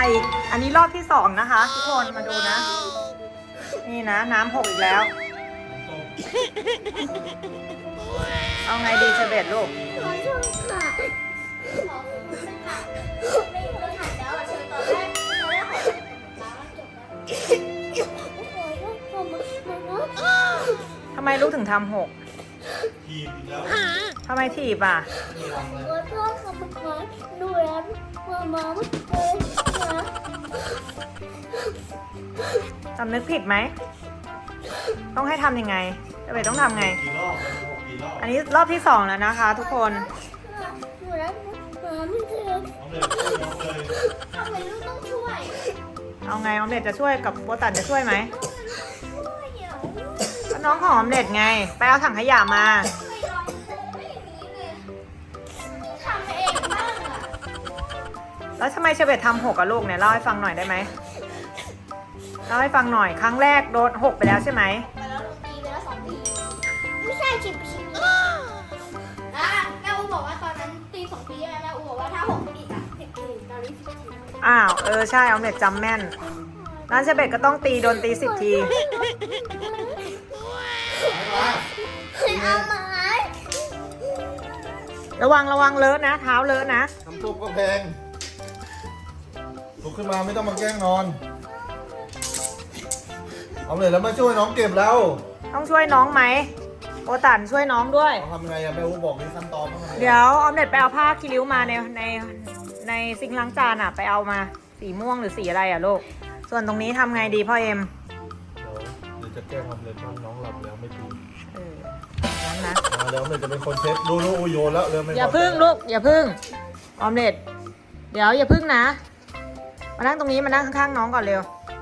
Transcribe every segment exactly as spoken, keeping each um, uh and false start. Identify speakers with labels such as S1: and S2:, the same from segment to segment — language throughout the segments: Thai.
S1: อีกอันนี้รอบที่สองนะคะทุกคนมาดูนะนี่นะน้ำหกอีกแล้วเอาไงดีเชเบตลูก
S2: ขอโทษค่ะขอคุณค่ะไม่รู้ถ่ายแล้วอ่ะเชิญตอนแรกตอนแรกขอเป็นป้าจบแล้ว
S1: ทำไมลูกถึงทำหก
S3: ทีมอีกแล้ว
S1: ทำไมถีบอ่ะ
S2: ขอโทษค่ะมาขอดูแลมามาเมื่อกี้นะ
S1: สำนึกผิดไหมต้องให้ทำยังไงเชเบตต้องทำไง
S3: กี่รอบหกกี่รอบ
S1: อันนี้รอบที่สองแล้วนะคะ ทุกคน
S2: ดูแลมาไม่เจอ
S3: น้องเลยน้องเลย
S2: ทำไมลูกต้องช่วย
S1: เอาไงออมเล็ตจะช่วยกับโบตันจะช่วยไหม
S2: ช่วยเดี๋ยว
S1: ก็น้องของออมเล็ตไงไปเอาถังขยะมา
S2: ไม่ลองไม่อย่างนี้เลยทำเองบ้างอ่ะ
S1: แล้วทำไมเชเบตทำหกกับลูกเนี่ยเล่าให้ฟังหน่อยได้ไหมเล่าให้ฟังหน่อยครั้งแรกโดนหกไปแล้วใช่ไหม
S2: ไปแล้วโดนตีไปแล้วสองทีไม่ใช่ชิบชิบนะแม่อูบอกว่าตอนนั้นตีสองทีใช่ไหมแม่อูบอกว่าถ้าหกตีอ่ะสิบทีตอนนี้สิบที
S1: อ้าวเออใช่ออมเล็ตจำแม่นนั้นเชเบตก็ต้องตีโดนตีสิบที
S2: เอาไม้
S1: ระวังระวังเลอะนะ เท้าเลอะนะ
S3: น้ำซุปก็แพงลุกขึ้นมาไม่ต้องมาแกล้งนอน เอาเลยแล้วมาช่วยน้องเก็บแล้ว
S1: ต้องช่วยน้องไหมโบตันช่วยน้องด้วย
S3: เอาทำยังไงอะแม่อูบอกนี่ขั้นตอนต้องทำยังไง
S1: เดี๋ยวออมเล็ตไปเอาผ้าคีริ้วมาในในในซิงค์ล้างจานอ่ะไปเอามาสีม่วงหรือสีอะไรอ่ะลูกส่วนตรงนี้ทำไงดีพ่อเอ็ม
S3: เดี๋ยวเดี๋ยวจะแกล้งทำเลยว่าน้องหลับแล้วไม่ตื่น
S1: เออนั้นนะ
S3: อ่าเดี๋ยวเลยจะเป็นคนเช็ดดูดูโยนแล้วเริ่มไม่พ
S1: อย่าพึ่งลูกอย่าพึ่งออมเล็ตเดี๋ยวอย่าพึ่งนะมานั่งตรงนี้มานั่งข้างๆน้องก่อนเร็ว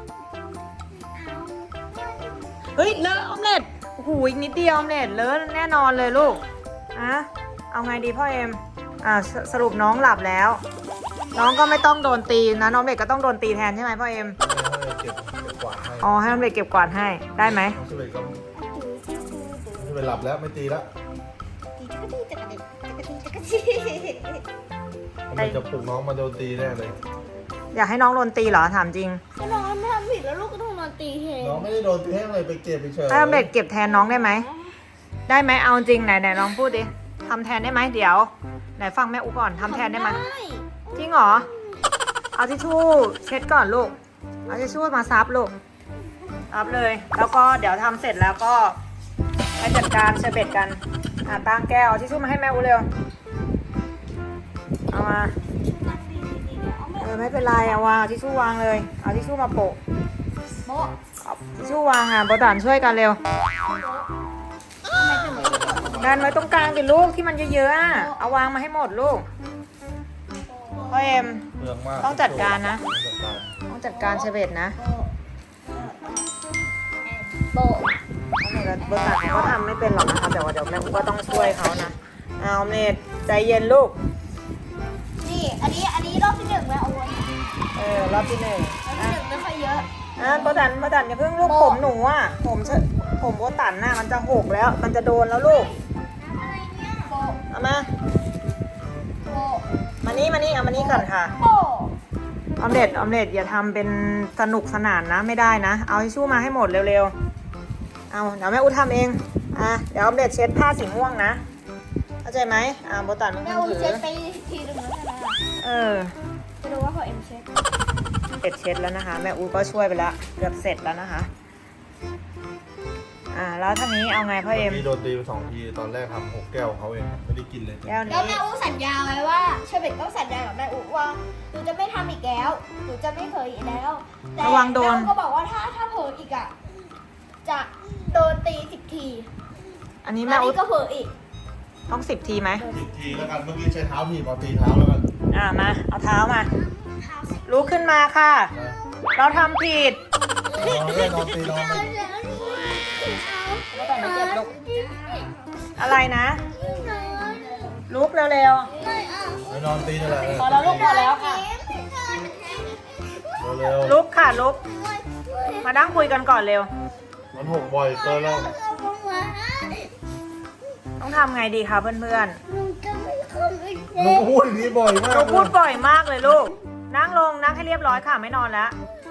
S1: เฮ้ยเลอะออมเล็ตโอ้โหอีกนิดเดียวออมเล็ตเลอะแน่นอนเลยลูกอะเอาไงดีพ่อเอ็มอ่าสสรุปน้องหลับแล้ว น้องก็ไม่ต้องโดนตีนะน้องเล็กก็ต้องโดนตีแทนใช่ไหมพ่อเอ็ม
S3: ให้เก็บเก็บกวาดให้
S1: อ๋อให้น้องเล็กเก็บกวาดให้ได้ไหม
S3: น้องชิเบตก็ชิเบตหลับแล้วไม่ตีแล้วมันจะปลุกน้องมาโดนตีแน่เลย
S1: อยากให้น้องโดนตีเหรอถามจริง
S2: ก็น้องไม่ทำผิดแล้วลูกก็ต้องนอนตีเอง
S3: น้องไม่ได้โดนตีให้เลยไปเก็บไปเฉย
S1: ให้น้องเล็กเก็บแทนน้องได้ไหมได้ไหมเอาจริงไหนไหนลองพูดดิทำแทนได้ไหมเดี๋ยวไหนฟังแม่อุก่อนทำแทนได้ไหมจริงเหรอเอาทิชชู่เช็ดก่อนลูกเอาทิชชู่มาซับลูกซับเลย แล้วก็เดี๋ยวทำเสร็จแล้วก็ไปจัดการเชอร์เบตกันอ่ะตั้งแก้วเอาทิชชู่มาให้แม่อุเร็วเอามาเออไม่เป็นไรเอาวางเอาทิชชู่วางเลยเอาทิชชู่มาโปะ
S2: โบ๊ะ
S1: เอาทิชชู่วางอ่ะโบตันช่วยกันเร็วดันไว้ตรงกลางดิลูกที่มันเยอะๆอ่ะเอาวางมาให้หมดลูกพ่อเอ็ม
S3: เปลืองมาก
S1: ต้องจัดการนะ
S3: จัดการ
S1: ต้องจัดการเชเบตนะ
S2: โบ๊ะ
S1: เอาเมดโบตันเขาก็ทำไม่เป็นหรอกนะคะแต่ว่าเดี๋ยวแม่อุ๊ก็ต้องช่วยเขานะเอาเมดใจเย็นลูก
S2: นี่อันนี้อันนี้รอบที่หนึ่งแล้วโอ้ย
S1: เออรอบที่หนึ่ง
S2: รอบที่หนึ่งไม่ค่อยเยอะ
S1: อ่ะโบตันโบตันอย่าเพิ่งลูก
S2: โบ
S1: ผมหนูอ่ะผมเชผมโบตันน่ะมันจะหกแล้ว มันจะโดนแล้วลูก
S2: อะไรเนี่ยโบ๊ะ
S1: เอามา
S2: โบ๊ะ
S1: มานี่มานี่เอามานี่ก่อนค่ะ
S2: โบ๊ะ
S1: ออมเล็ตออมเล็ตอย่าทำเป็นสนุกสนานนะไม่ได้นะเอาทิชชู่มาให้หมดเร็วๆเอาเดี๋ยวแม่อุ๊ทำเองอ่ะเดี๋ยวออมเล็ตเช็ดผ้าสีม่วงนะเข้าใจไหมอ่ะโบตันมึง
S2: แม่
S1: ถื
S2: อู
S1: อ
S2: เช็ดไปทีหนึ่งแล้วใช่ไหม
S1: เออ
S2: จะดูว่าพอเอ็มเช็ด
S1: เสร็จเช็ดแล้วนะคะ แม่อูก็ช่วยไปแล้วเกือบเสร็จแล้วนะคะอ่าแล้วท่านี้เอาไงพ่อเอ็ม
S3: พี่โดนตีไปสองทีตอนแรกทำหกแก้วเขาเองไม่ได้กินเลย
S1: แก้ว
S2: แล้ว
S1: นี้
S2: แม่อูสัญญาไว้ว่าเชเบตต้องสัญญากับแม่อูว่าหนูจะไม่ทำอีกแล้วหนูจะไม่เผยอีกแล้วแต่
S1: ระวังโดน
S2: แม่อูก็บอกว่าถ้าถ้าเผยอีกอ่ะจะโดนตีสิบที
S1: อันนี้
S2: อั
S1: แม่
S2: น
S1: อู
S2: นี้ก็เผยอีก
S1: ต้องสิบทีไหม
S3: สิบทีแล้วกันเมื่อกี้ใช้เท้าทีบเอาตีเท้าแล้วกัน
S1: อ่ามาเอาเท้ามาลุกขึ้นมาค่ะ เราทำผิด
S3: นอนเลยนอนตีนอนเลย
S1: ไม่ต้องมาเจ็บลุกอะไรนะลุกเร็ว
S3: ไปนอนตีนี่แหละ
S1: ๆพอแล้วลุกพอแล้วค่ะ
S3: เร็ว
S1: ลุกค่ะลุกมานั่งคุยกันก่อนเร็ว
S3: ๆมันหกบ่อยเกินแล้ว
S1: ต้องทำไงดีคะเพื่อน
S2: หนูจะไม่ทำอีก
S3: มึงพูดอย่างนี้บ่อยมา
S1: ๆ
S3: ก
S1: เราพูดบ่อยมากเลยลูกนั่งลงนั่งให้เรียบร้อยค่ะไม่นอนแล้ว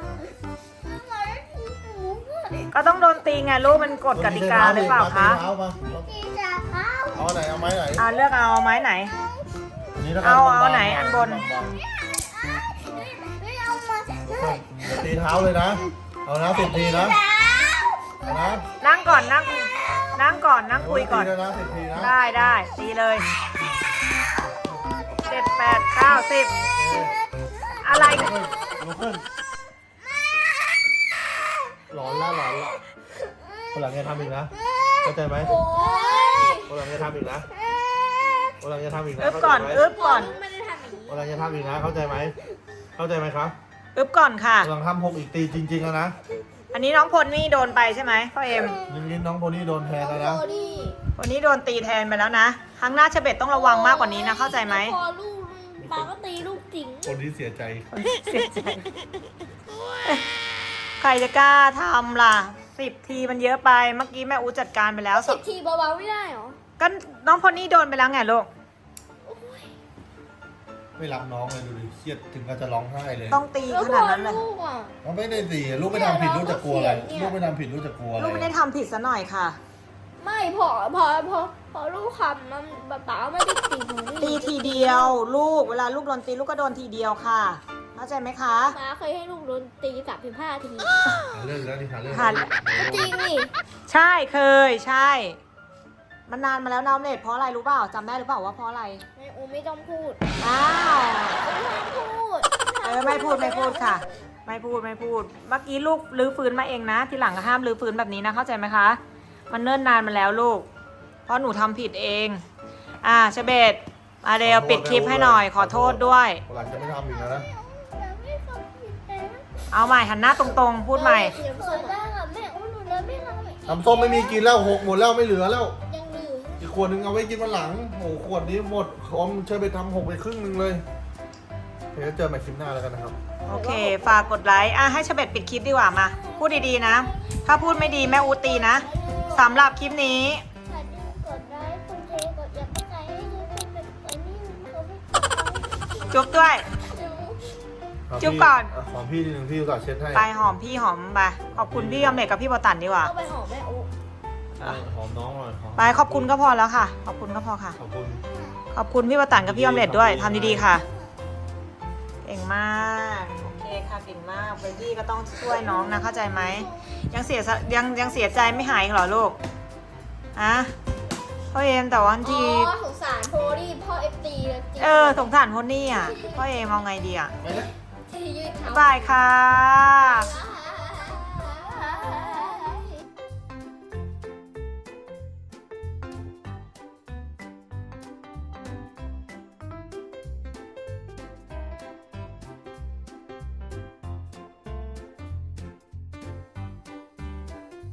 S1: ก็ต้องโดนตีไงลูกมันกฎกติกาหรือเปล่าคะ
S3: ตีเท้ามา
S2: ตีจะเข้า
S3: เอาไหนเอาไม้ไหน
S1: อ่าเลือกเอาไม้ไหน
S3: นี่แล้วกั
S1: เอา
S3: บงๆ
S1: เอาไหนอันบน
S3: าง
S2: ไม่เอามา
S3: ๆอย่าตีเท้าเลยนะ เอานะสิบทีนะเอานะ
S1: นั่งก่อนนั่งนั่งก่อนนั่งคุยก่อน
S3: ตีแล้วนะสิบทีนะ
S1: ได้ได้ตีเลยเจ็ดแปดเก้าสิบอะไร
S3: ลุกขึ้นลุกขึ้นหลอนละหลอนละคนหลังจะทำอีกนะเข้าใจไหม
S2: โอ้ย
S3: คนหลังจะทำอีกนะคนหลังจะทำอีกนะ
S1: อึบก่อน
S3: เข้าใจไหม
S1: อึบก่อน
S2: ไม่ได้ทำอย่างนี้
S3: คนหลังจะทำอีกนะเข้าใจไหมเข้าใจไหมครับ
S1: อึบก่อนค่ะ
S3: คนหลังทำหกอีกตีจริงๆแล้วนะ
S1: อันนี้น้องพลนี่โดนไปใช่ไหมพ่อเอ็ม
S3: ยิงยินน้องโพนี่โดนแทนแล้วนะ
S2: โอ้ดิ
S1: วันนี้โดนตีแทนไปแล้วนะครั้งหน้าเชเบตต้องระวังมากกว่านี้นะเข้าใจไหม
S2: พอลูกปาก็ตีลูกจริง
S3: คนที่เสียใจ
S1: เสียใจใครจะกล้าทำล่ะสิบทีมันเยอะไปเมื่อกี้แม่อูจัดการไปแล้วส
S2: สิ
S1: อบ
S2: ทีเบาๆไม่ได้เหรอ
S1: ก็น้องพลนี่โดนไปแล้วไงลูก
S3: ไม่รักน้องเลยดูดิเครียดถึงกับจะร้องไห้เลย
S1: ต้องตี
S2: แล้ว
S1: ข
S2: พ
S1: นา
S2: อ
S1: ดนั้นเลย
S2: ลูกอ่ะ
S3: เขาไม่ได้ตีลูกไม่ทำผิดลูกจะกลัวอะไร
S2: เนี่ย
S3: ลูกไม่ทำผิดลูกจะกลัวอะไร
S1: ลูกไม่ได้ทำผิดซะหน่อยค่ะ
S2: ไม่พอพอพอพอลูกคำมันป๊าป๊าไม่ได้ตีหนู
S1: ตีทีเดียว ลูกเวลาลูกโดนตีลูกก็โดนทีเดียวค่ะเข้าใจไหมคะ
S2: ป๊าเคยให้ลูกโดนตีสามสิบห้าที
S3: หาเรื่องอีกแล้วนี่หาเรื่อง
S1: หา
S2: ก็จริงนี่
S1: ใช่เคยใช่ มันนานมาแล้วน้องเน็ตเพราะอะไรรู้เปล่าจำได้หรือเปล่าว่าเพราะอะไร
S2: ไม่อูไม่ต้องพูด
S1: อ้าว
S2: ไม่ต้องพูด
S1: เออไม่พูดไม่พูดค่ะ ไม่พูดไม่พูด เมื่อกี้ลูกลื้อฟื้นมาเองนะ ทีหลังก็ห้ามลื้อฟื้นแบบนี้นะเข้าใจไหมคะ มันเนิ่นนานมาแล้วลูก เพราะหนูทำผิดเอง อ่าเชเบตมาเร็วปิดคลิปให้หน่อยขอโทษด้วย
S3: หลังจะไม่ทำอีกแล้วนะ
S2: ไม่ทำผิดแต่
S1: เอาใหม่หันหน้าตรงๆ พูดใหม่
S2: เสียงสดได้ค่ะแม่อูหนูเลยไม่ทำอีก
S3: น้ำส้มไม่มีกินแล้วหกหมดแล้วไม่เหลือแล้ว
S2: ยังเหลือ
S3: อีกขวดนึงเอาไว้กินวันหลังโอ้โหขวดนี้หมดอมเชิญไปทำหกไปครึ่งนึงเลยเดี๋ยวเจอใหม่คลิปหน้าแล้วกันนะครับ
S1: โอเค ฝากกดไลค์ อ่ะให้เชเบตปิดคลิปดีกว่ามา พูดดีๆนะ ถ้าพูดไม่ดีแม่อูตีนะสำหรับคลิปนี้
S2: ถ้าดูกดไลค์กดแชร์กดอยากให้ใครให้ดูเป็นแบบนี้เขาไม่
S1: จุ๊บด้วย จุ๊บก่อน
S3: หอมพี่ทีหนึ่งพี่อุตส่าห์เช็ดให้
S1: ไปหอมพี่หอมไปขอบคุณพี่ออมเล็ตกับพี่โบตันดีกว่า
S2: เอาไปหอมแม่อู
S3: เออหอมน้องหน่อยหอม
S1: ไปขอบคุณก็พอแล้วค่ะ ขอบคุณก็พอค่ะ
S3: ขอบคุณ
S1: ขอบคุณพี่โบตันกับพี่ออมเล็ตด้วยทำดีๆค่ะ เก่งมาก โอเคค่ะเก่งมากเบบี้ก็ต้องช่วยน้องนะเข้าใจไหม ยังเสียสะยังยังเสียใจไม่หายอีกเหรอลูกอะพ่อเอมแต่ว่าบาง
S2: อ๋
S1: ที
S2: อสงสารโพลี่พ่อเอฟตีเลยจริง
S1: เออสงสารคนนี่อ่ะพ่อเอมเอาไงดีอ่ะ
S3: ไปเลย
S2: ที่ยืดเท้า
S1: บ๊ายบายค่ะ